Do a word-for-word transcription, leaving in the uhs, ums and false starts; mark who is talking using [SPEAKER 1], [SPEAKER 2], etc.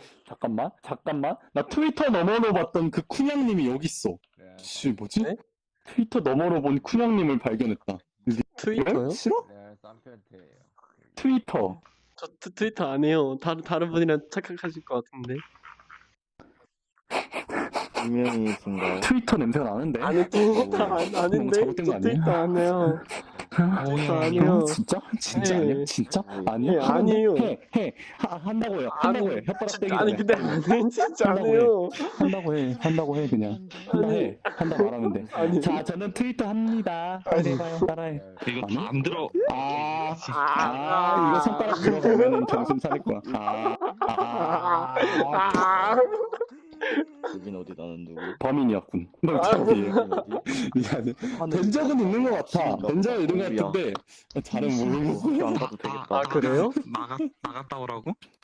[SPEAKER 1] 잠깐만, 잠깐만. 나 트위터 너머로 봤던 그 쿤양님이 여기 있어.
[SPEAKER 2] 레알
[SPEAKER 1] 씨, 뭐지?
[SPEAKER 3] 네?
[SPEAKER 1] 트위터 너머로 본 쿤양님을 발견했다.
[SPEAKER 3] 트위터요?
[SPEAKER 1] 싫어?
[SPEAKER 2] 레알 쌈편태예요.
[SPEAKER 1] 트위터.
[SPEAKER 3] 저 트, 트위터 안 해요. 다른 다른 분이랑 착각하실 것 같은데.
[SPEAKER 4] 분명히신가요?
[SPEAKER 1] 트위터 냄새가 나는데?
[SPEAKER 3] 아니 트위터 안 아닌데.
[SPEAKER 1] 잘못된 거
[SPEAKER 3] 저
[SPEAKER 1] 아니야?
[SPEAKER 3] 트위터 안 해요. 트위터 안 해요.
[SPEAKER 1] 어, 진짜? 진짜
[SPEAKER 3] 네.
[SPEAKER 1] 아니야? 진짜? 아니야?
[SPEAKER 3] 네,
[SPEAKER 1] 하는데?
[SPEAKER 3] 아니에요.
[SPEAKER 1] 해, 해. 하, 한다고 해요. 한다고
[SPEAKER 3] 아니,
[SPEAKER 1] 해. 혓바닥
[SPEAKER 3] 진짜,
[SPEAKER 1] 떼기
[SPEAKER 3] 아니
[SPEAKER 1] 전에.
[SPEAKER 3] 근데 안 해. 진짜 안
[SPEAKER 1] 한다고
[SPEAKER 3] 해요.
[SPEAKER 1] 한다고 해. 한다고 해, 그냥. 한다
[SPEAKER 3] 아니.
[SPEAKER 1] 해. 한다 말하면 돼.
[SPEAKER 3] 아니.
[SPEAKER 1] 자, 저는 트위터 합니다. 빨리 해봐요. 따라해.
[SPEAKER 2] 레알
[SPEAKER 5] 이거
[SPEAKER 1] 아니?
[SPEAKER 5] 다 안 들어.
[SPEAKER 1] 아,
[SPEAKER 3] 아,
[SPEAKER 1] 아, 이거 손가락 들어가면은 정신 차릴 거야. 아, 아, 아,
[SPEAKER 3] 아,
[SPEAKER 4] 여긴 어디 나는 누구?
[SPEAKER 1] 범인이었군. 너 참지.
[SPEAKER 4] 어디?
[SPEAKER 1] 미안해.
[SPEAKER 4] 하늘
[SPEAKER 1] 된 적은 있는 것 같아.
[SPEAKER 4] 미친다.
[SPEAKER 1] 된 적은 있는 것
[SPEAKER 4] 우리야.
[SPEAKER 1] 같은데, 잘은 모르겠어.
[SPEAKER 4] 학교 안 가도 되겠다.
[SPEAKER 3] 아 그래요?
[SPEAKER 5] 나가 나갔다 오라고?